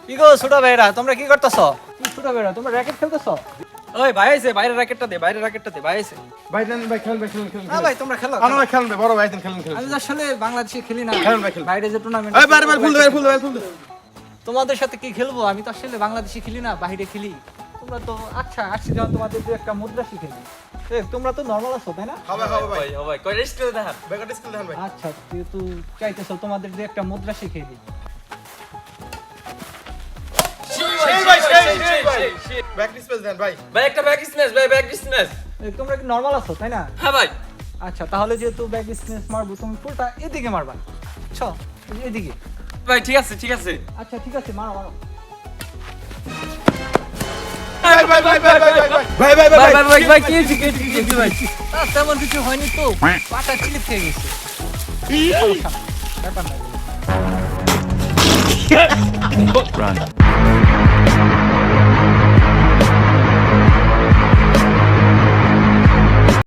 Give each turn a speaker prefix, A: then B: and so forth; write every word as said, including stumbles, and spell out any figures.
A: কি গো ছোট ভাইরা তোমরা কি করতেছো? কি ছোট ভাইরা তোমরা র‍্যাকেট খেলতেছো?
B: ওই ভাই আইছে বাইরে র‍্যাকেটটা দে বাইরে র‍্যাকেটটা দে ভাই আইছে
C: ভাই দেন ভাই খেলেন ভাই খেলেন খেলেন
A: হ্যাঁ ভাই তোমরা খেলো
C: আনো ভাই খেলেন ভাই বড় ভাই দেন খেলেন খেলেন
A: আমি তো আসলে বাংলাদেশে খেলি না
C: খেলেন ভাই খেলেন
A: বাইরে যে টুর্নামেন্ট
C: এই বারে বারে ফুল দে ভাই ফুল দে ভাই ফুল দে
A: তোমাদের সাথে কি খেলবো? আমি তো আসলে বাংলাদেশে খেলি না, বাইরে খেলি। তোমরা তো আচ্ছা আসছি যখন তোমাদের দু একটা মুদ্রা শিখে দিই। এ তোমরা তো নরমাল আছো তাই না?
C: হবে হবে ভাই
B: ও ভাই কয় স্কিল দেখান
C: ব্যাকআউট স্কিল দেন ভাই
A: আচ্ছা যেহেতু চাইতেছো তোমাদের দু একটা মুদ্রা শিখিয়ে দিই।
C: সেই ভাই সেই সেই ভাই ব্যাক স্পেস দেন ভাই
B: ভাই একটা ব্যাক স্ম্যাশ ভাই ব্যাক স্ম্যাশ
A: এ, তোমরা কি নরমাল আছো তাই না?
B: হ্যাঁ ভাই
A: আচ্ছা তাহলে যেহেতু ব্যাক স্ম্যাশ মারবো তুমি ফুলটা এদিকে মারবা। বুঝছো? এদিকে।
B: ভাই ঠিক আছে ঠিক আছে
A: আচ্ছা ঠিক আছে মারো মারো।
C: ভাই ভাই ভাই ভাই ভাই ভাই ভাই ভাই
B: ভাই ভাই ভাই ভাই কি হইছে কি হইছে, কি হইছে ভাই
A: তা তেমন কিছু হয়নি তো, পাটা স্লিপ খেয়ে গেছে। ব্যাপার না।